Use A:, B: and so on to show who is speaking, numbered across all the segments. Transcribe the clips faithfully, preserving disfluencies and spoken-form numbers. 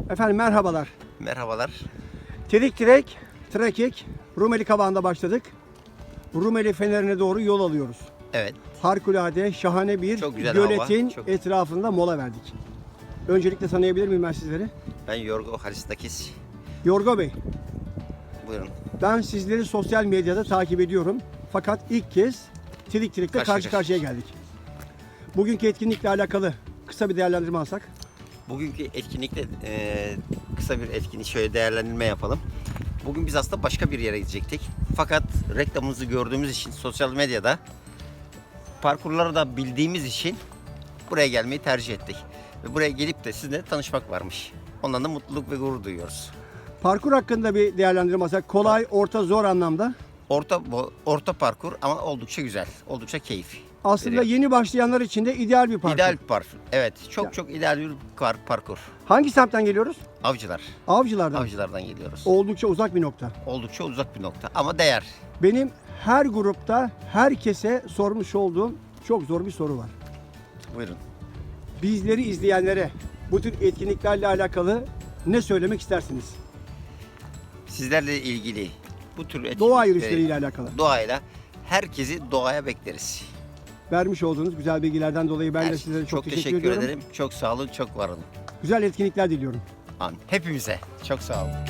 A: Efendim merhabalar.
B: Merhabalar.
A: Terik Tirek, Trakik, Rumeli Kavağı'nda başladık. Rumeli Feneri'ne doğru yol alıyoruz.
B: Evet.
A: Harikulade, şahane bir
B: Çok güzel
A: göletin
B: hava, çok-
A: etrafında mola verdik. Öncelikle tanıyabilir miyim ben sizleri?
B: Ben Yorgo Haristakis.
A: Yorgo Bey,
B: Buyurun.
A: ben sizleri sosyal medyada takip ediyorum. Fakat ilk kez Terik Tirek'te
B: Karşı
A: karşı
B: karşıya.
A: karşıya geldik. Bugünkü etkinlikle alakalı kısa bir değerlendirme alsak.
B: Bugünkü etkinlikte e, kısa bir etkinlik şöyle değerlendirme yapalım. Bugün biz aslında başka bir yere gidecektik. Fakat reklamımızı gördüğümüz için sosyal medyada parkurları da bildiğimiz için buraya gelmeyi tercih ettik. Ve buraya gelip de sizinle tanışmak varmış. Ondan da mutluluk ve gurur duyuyoruz.
A: Parkur hakkında bir değerlendirme alsak. Kolay, orta, zor anlamda.
B: Orta bo- orta parkur ama oldukça güzel, oldukça keyifli.
A: Aslında
B: veriyor.
A: yeni başlayanlar için de ideal bir parkur.
B: İdeal bir parkur. Evet, çok
A: Ya.
B: çok ideal bir par- parkur.
A: Hangi semtten geliyoruz?
B: Avcılar.
A: Avcılardan.
B: Avcılardan geliyoruz.
A: Oldukça uzak bir nokta.
B: Oldukça uzak bir nokta ama değer.
A: Benim her grupta herkese sormuş olduğum çok zor bir soru var.
B: Buyurun.
A: Bizleri izleyenlere bu tür etkinliklerle alakalı ne söylemek istersiniz?
B: Sizlerle ilgili bu tür etkinlik
A: Doğa
B: ve
A: yürüyüşleriyle alakalı.
B: doğayla herkesi doğaya bekleriz.
A: Vermiş olduğunuz güzel bilgilerden dolayı ben
B: Her-
A: de sizlere çok, teşekkür,
B: teşekkür
A: ediyorum.
B: ederim. Çok sağ olun, çok var olun.
A: Güzel etkinlikler diliyorum.
B: Amin. Hepimize çok sağ olun.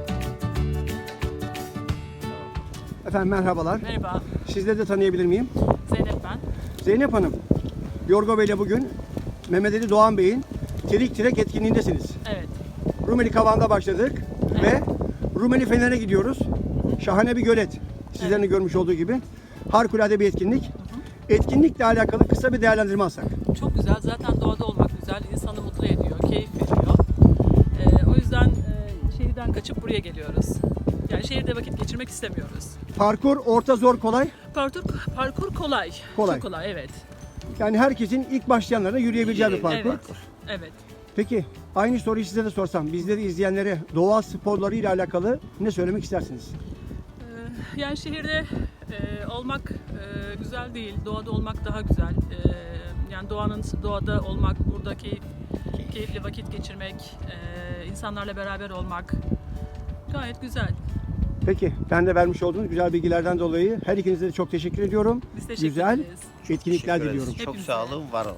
A: Efendim merhabalar.
C: Merhaba,
A: Sizleri de tanıyabilir miyim?
C: Zeynep ben.
A: Zeynep Hanım, Yorgo Bey'le bugün Mehmet Ali Doğan Bey'in Terik Tirek etkinliğindesiniz.
C: Evet,
A: Rumeli Kavağı'nda başladık ve Rumeli Fener'e gidiyoruz. Şahane bir gölet. Sizlerin de görmüş olduğu gibi. Harikulade bir etkinlik. Etkinlikle alakalı kısa bir değerlendirme alsak.
C: çok güzel. Zaten doğada olmak güzel, insanı mutlu ediyor, keyif veriyor. Ee, o yüzden e, şehirden kaçıp buraya geliyoruz. Yani şehirde vakit geçirmek istemiyoruz.
A: Parkur orta, zor, kolay.
C: Parkur, parkur kolay.
A: Kolay.
C: Çok kolay, evet.
A: Yani herkesin ilk başlayanlara yürüyebileceği bir parkur.
C: Evet, evet.
A: Peki aynı soruyu size de sorsam, bizleri izleyenlere doğa sporları ile alakalı ne söylemek istersiniz?
C: Ee, yani şehirde e, olmak e, güzel değil, doğada olmak daha güzel. Ee, yani doğanın doğada olmak, burada keyif, keyifli vakit geçirmek, e, insanlarla beraber olmak gayet güzel.
A: Peki ben de vermiş olduğunuz güzel bilgilerden dolayı her ikinize de çok teşekkür ediyorum.
C: Biz teşekkür
A: Güzel
C: ederiz.
A: etkinlikler
B: Teşekkür ederiz.
A: diliyorum.
B: Çok
C: Hepimize.
B: sağ olun, var olun.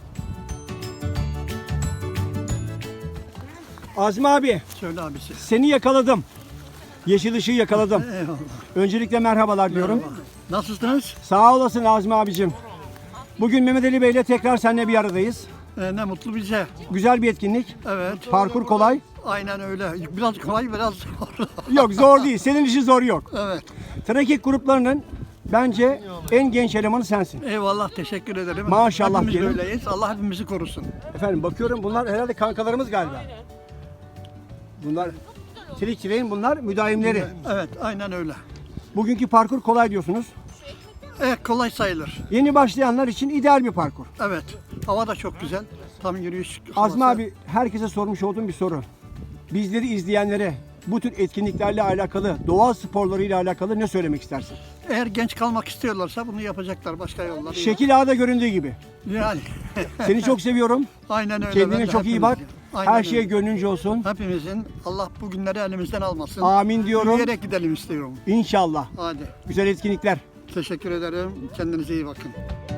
A: Azmi abi,
D: Söyle abisi.
A: seni yakaladım. Yeşil ışığı yakaladım.
D: Eyvallah.
A: Öncelikle merhabalar diyorum.
D: Nasılsınız?
A: Sağ olasın Azmi abicim. Bugün Mehmet Ali Bey ile tekrar seninle bir aradayız.
D: Ee, ne mutlu bize.
A: Güzel bir etkinlik.
D: Evet.
A: Parkur kolay.
D: Aynen öyle. Biraz kolay, biraz zor.
A: Yok zor değil. Senin işin zor yok.
D: Evet.
A: Trakik gruplarının bence en genç elemanı sensin.
D: Eyvallah, teşekkür ederim.
A: Maşallah
D: Hepimiz
A: diyelim.
D: böyleyiz. Allah hepimizi korusun.
A: Efendim bakıyorum bunlar herhalde kankalarımız galiba. Bunlar Trik Tirek'in bunlar müdavimleri.
D: Evet, aynen öyle.
A: Bugünkü parkur kolay diyorsunuz.
D: Evet, kolay sayılır.
A: Yeni başlayanlar için ideal bir parkur.
D: Evet. Hava da çok güzel. Tam yürüyüş.
A: Azmi
D: havası.
A: abi herkese sormuş olduğum bir soru. Bizleri izleyenlere bu tür etkinliklerle alakalı, doğa sporlarıyla alakalı ne söylemek istersin?
D: Eğer genç kalmak istiyorlarsa bunu yapacaklar. Başka yolları yok.
A: Şekil Ağa'da göründüğü gibi.
D: Yani.
A: Seni çok seviyorum.
D: Aynen öyle. Ben
A: Kendine
D: de
A: çok iyi bak.
D: hepimizin. Aynen
A: Her
D: öyle.
A: şey gönlünce olsun.
D: Hepimizin Allah bu günleri elimizden almasın.
A: Amin diyorum.
D: Yürüyerek gidelim istiyorum.
A: İnşallah.
D: Hadi.
A: Güzel etkinlikler.
D: Teşekkür ederim. Kendinize iyi bakın.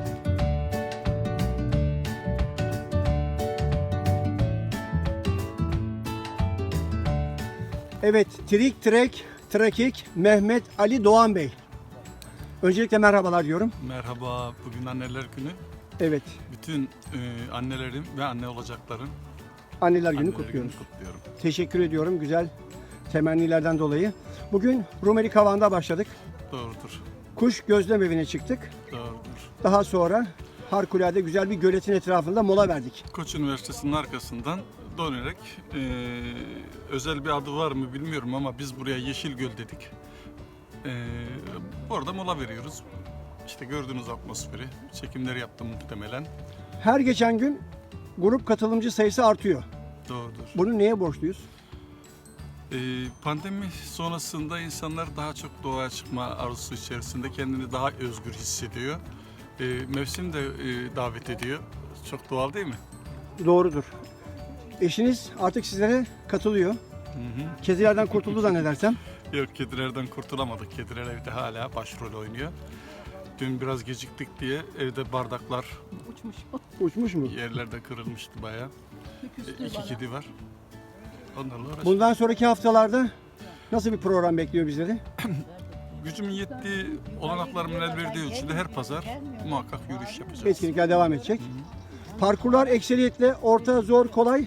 A: Evet, Trik Trek, Trakik, Mehmet Ali Doğan Bey. Öncelikle merhabalar diyorum.
E: Merhaba, bugün Anneler Günü.
A: Evet,
E: Bütün e, annelerim ve anne olacakların
A: Anneler Günü
E: Anneler
A: kutluyoruz.
E: Günü kutluyorum.
A: Teşekkür ediyorum güzel temennilerden dolayı. Bugün Rumeli Kavağı'nda başladık.
E: Doğrudur,
A: Kuş Gözlem Evi'ne çıktık.
E: doğrudur.
A: Daha sonra harikulade güzel bir göletin etrafında mola verdik.
E: Koç Üniversitesi'nin arkasından dönerek e, özel bir adı var mı bilmiyorum ama biz buraya Yeşilgöl dedik. E, orada mola veriyoruz. İşte gördüğünüz atmosferi, çekimleri yaptım muhtemelen.
A: Her geçen gün grup katılımcı sayısı artıyor.
E: Doğrudur.
A: Bunu neye borçluyuz?
E: E, pandemi sonrasında insanlar daha çok doğaya çıkma arzusu içerisinde kendini daha özgür hissediyor. E, mevsim de e, davet ediyor. Çok doğal değil mi?
A: Doğrudur. Eşiniz artık sizlere katılıyor.
E: Hı hı.
A: Kedilerden kurtuldu zannedersem.
E: Yok, kedilerden kurtulamadık. Kediler evde hala başrol oynuyor. Dün biraz geciktik diye evde bardaklar
C: Uçmuş.
A: Uçmuş mu?
E: yerlerde kırılmıştı bayağı. E, İki kedi var. Onlarla uğraşıyoruz.
A: Bundan sonraki haftalarda nasıl bir program bekliyor bizleri?
E: Gücümün yettiği, olanaklarımın el verdiği ölçüde her pazar muhakkak yürüyüş yapacağız.
A: Etkinlikler devam edecek. Parkurlar ekseriyetle orta, zor, kolay.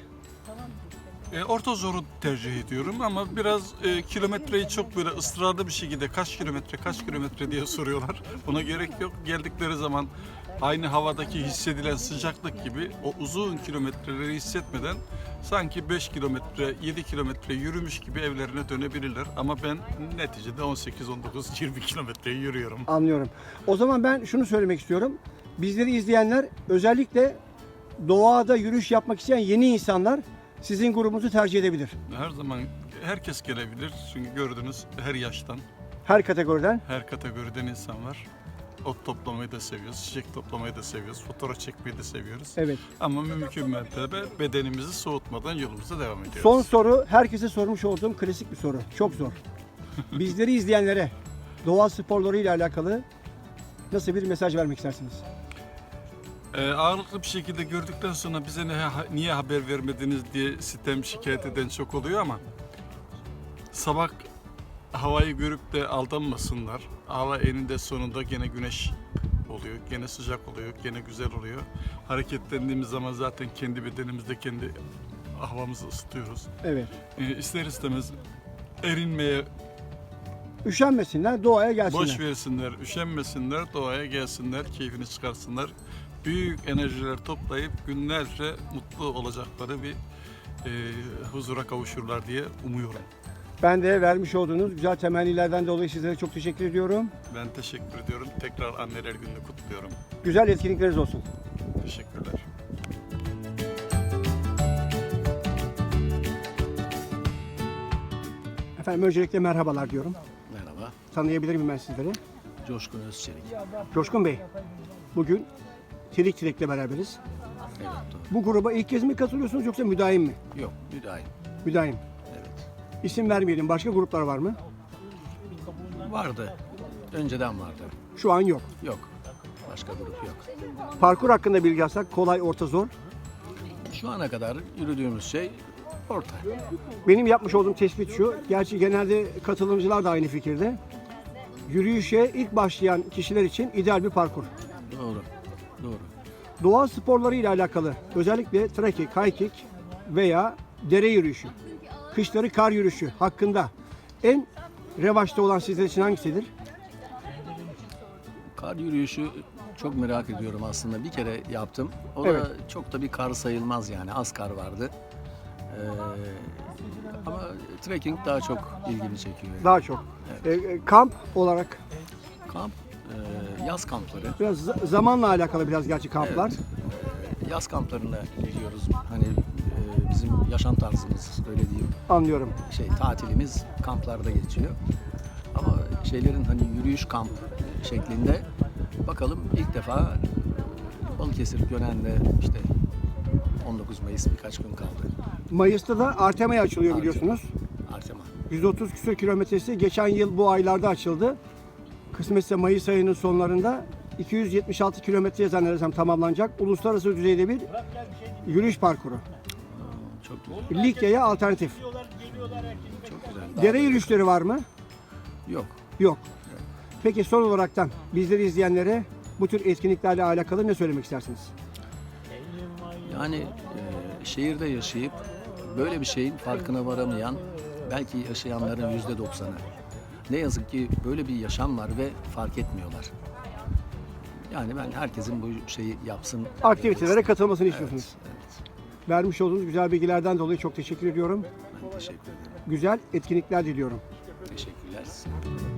E: E, orta zoru tercih ediyorum ama biraz e, kilometreyi çok böyle ısrarlı bir şekilde kaç kilometre kaç kilometre diye soruyorlar. Buna gerek yok. Geldikleri zaman aynı havadaki hissedilen sıcaklık gibi o uzun kilometreleri hissetmeden sanki beş kilometre yedi kilometre yürümüş gibi evlerine dönebilirler. Ama ben neticede on sekiz on dokuz yirmi kilometreyi yürüyorum.
A: Anlıyorum. O zaman ben şunu söylemek istiyorum. Bizleri izleyenler, özellikle doğada yürüyüş yapmak isteyen yeni insanlar sizin grubunuzu tercih edebilir.
E: Her zaman herkes gelebilir. Çünkü gördünüz her yaştan,
A: Her kategoriden.
E: her kategoriden insan var. Ot toplamayı da seviyoruz, çiçek toplamayı da seviyoruz, fotoğraf çekmeyi de seviyoruz.
A: Evet.
E: Ama mümkün mertebe bedenimizi soğutmadan yolumuza devam ediyoruz.
A: Son soru, herkese sormuş olduğum klasik bir soru. Çok zor. Bizleri izleyenlere doğa sporları ile alakalı nasıl bir mesaj vermek istersiniz?
E: Ee, ağırlıklı bir şekilde gördükten sonra bize ne, niye haber vermediniz diye sitem şikayet eden çok oluyor ama sabah havayı görüp de aldanmasınlar. Hava eninde sonunda gene güneş oluyor, gene sıcak oluyor, gene güzel oluyor. Hareketlendiğimiz zaman zaten kendi bedenimizde kendi havamızı ısıtıyoruz.
A: Evet.
E: Ee, ister istemez erinmeye
A: Üşenmesinler, doğaya gelsinler.
E: boş versinler, üşenmesinler, doğaya gelsinler, keyfini çıkarsınlar. Büyük enerjiler toplayıp günlerce mutlu olacakları bir e, huzura kavuşurlar diye umuyorum.
A: Ben de vermiş olduğunuz güzel temennilerden dolayı sizlere çok teşekkür ediyorum.
E: Ben teşekkür ediyorum. Tekrar Anneler Günü'nü kutluyorum.
A: Güzel etkinlikleriniz olsun.
E: Teşekkürler.
A: Efendim öncelikle merhabalar diyorum.
F: Merhaba,
A: Tanıyabilir miyim ben sizleri?
F: Coşkun Özçelik.
A: Coşkun Bey, bugün Tirik Tilek'le beraberiz.
F: Evet, doğru.
A: Bu gruba ilk kez mi katılıyorsunuz yoksa müdahim mi?
F: Yok, müdahil.
A: Müdahim.
F: Evet.
A: İsim vermeyelim. Başka gruplar var mı?
F: Vardı, önceden vardı.
A: Şu an yok.
F: Yok, başka grup yok.
A: Parkur hakkında bilgi alsak kolay, orta, zor.
F: Şu ana kadar yürüdüğümüz şey orta.
A: Benim yapmış olduğum tespit şu. Gerçi genelde katılımcılar da aynı fikirde. Yürüyüşe ilk başlayan kişiler için ideal bir parkur.
F: Doğru, doğru.
A: Doğa sporları ile alakalı özellikle trekking, hiking veya dere yürüyüşü, kışları kar yürüyüşü hakkında en revaçta olan sizler için hangisidir?
F: Kar yürüyüşü çok merak ediyorum aslında. Bir kere yaptım. O
A: Evet.
F: da çok da bir kar sayılmaz yani. Az kar vardı. Ee, ama trekking daha çok ilgimi çekiyor. yani.
A: Daha çok. E, e, kamp olarak
F: Kamp, e, yaz kampları.
A: biraz za- zamanla alakalı biraz gerçi kamplar.
F: Evet. Yaz kamplarına gidiyoruz. Hani e, bizim yaşam tarzımız öyle diyeyim.
A: Anlıyorum.
F: Şey tatilimiz kamplarda geçiyor. Ama şeylerin hani yürüyüş kamp şeklinde bakalım ilk defa Balıkesir Gönen'de işte on dokuz Mayıs birkaç gün kaldı.
A: Mayıs'ta da Artema'ya açılıyor biliyorsunuz.
F: Artema.
A: yüz otuz küsur kilometresi geçen yıl bu aylarda açıldı. Kısmetse Mayıs ayının sonlarında iki yüz yetmiş altı kilometreye zannedersem tamamlanacak. Uluslararası düzeyde bir yürüyüş parkuru.
F: Çok güzel.
A: Likya'ya alternatif.
F: Çok güzel.
A: Dere yürüyüşleri var mı?
F: Yok.
A: Yok. Peki son olaraktan bizleri izleyenlere bu tür etkinliklerle alakalı ne söylemek istersiniz?
F: Yani e, şehirde yaşayıp böyle bir şeyin farkına varamayan belki yaşayanların yüzde doksanı. Ne yazık ki böyle bir yaşam var ve fark etmiyorlar. Yani ben herkesin bu şeyi yapsın.
A: Aktivitelere katılmasını istiyorsunuz.
F: Evet, evet.
A: Vermiş olduğunuz güzel bilgilerden dolayı çok teşekkür ediyorum.
F: Ben teşekkür ederim.
A: Güzel etkinlikler diliyorum.
F: Teşekkürler size.